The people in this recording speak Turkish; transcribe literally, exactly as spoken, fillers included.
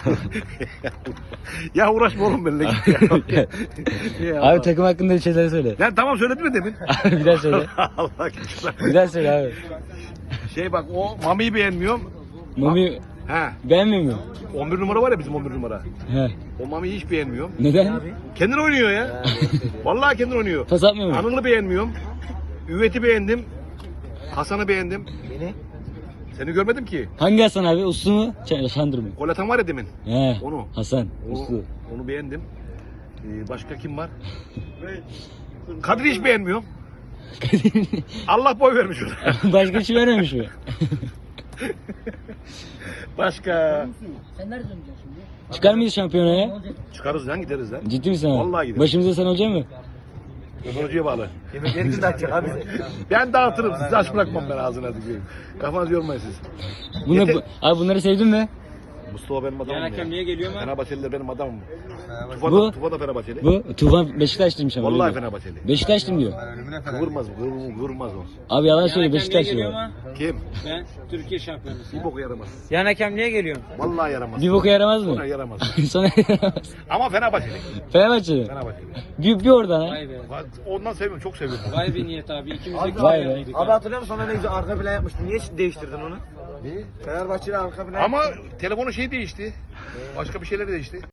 Ya uğraşma oğlum benimle git ya. Ya Abi takım hakkında bir şeyler söyle. Lan tamam söyledin mi demin? Abi bir daha söyle. Allah aşkına. Bir daha söyle abi. Şey bak o Mami'yi beğenmiyorum. Mami He. beğenmiyor mu? on bir numara var ya bizim on bir numara. He. O Mami'yi hiç beğenmiyorum. Neden? Kendin oynuyor ya. Vallahi kendin oynuyor. Pas atmıyor mu? Anıl'ı beğenmiyorum. Üvet'i beğendim. Hasan'ı beğendim. Beni? Seni görmedim ki. Hangi Hasan abi? Uslu mu? Ç- Şandır mı? Gol atan var ya demin. He. Onu. Hasan. Onu, Uslu. onu beğendim. Ee, başka kim var? Kadir'i hiç beğenmiyorum. Allah boy vermiş ona. Başka bir şey vermemiş mi? Başka. Sen nerede döneceksin şimdi? Çıkar mıyız şampiyonaya? Çıkarız lan gideriz lan. Ciddi misin abi? Vallahi gidelim. Başımıza sen olacak mı? Ömer Hoca'ya bağlı. Yemekleri kim dağıtacak abi? Ben dağıtırım sizi aç bırakmam ben ağzına dikeyim. Kafanızı yormayın siz. Bunlar, Yeter- bu, abi bunları sevdin mi? Mustafa benim adamım Yan hakem niye geliyor mu? Fenerbahçeliler benim adamım. Tufa Bu- da, Tufa da Fenerbahçeli. Bu Tufan Beşiktaşlıymış ama. Vallahi öyle diyor. Fenerbahçeli. Beşiktaşlıyım diyor. Kıvırmaz bu, kıvır- kıvırmaz o. Abi yalan Yan söyle hakem niye Beşiktaşlı geliyor o. mu? Kim? Ben Türkiye şampiyonusuyum. Bir boku yaramaz. Yan hakem niye geliyor? Vallahi yaramaz. Bir boku yaramaz mı? Sonra yaramaz. Sonra yaramaz. Ama Fenerbahçeli. Fenerbahçe. Fenerbahçeli. Bir, bir oradan ha. Vay be. Ondan seviyorum, çok seviyorum. Vay be Niyet abi. İkimiz de Vay be. yanıydık Abi ha. hatırlıyor musun sonra ne güzel arka plan yapmıştın. Niye değiştirdin onu? Ne? Fenerbahçe'yle arka plan Ama telefonun şeyi değişti. Başka bir şeyler değişti.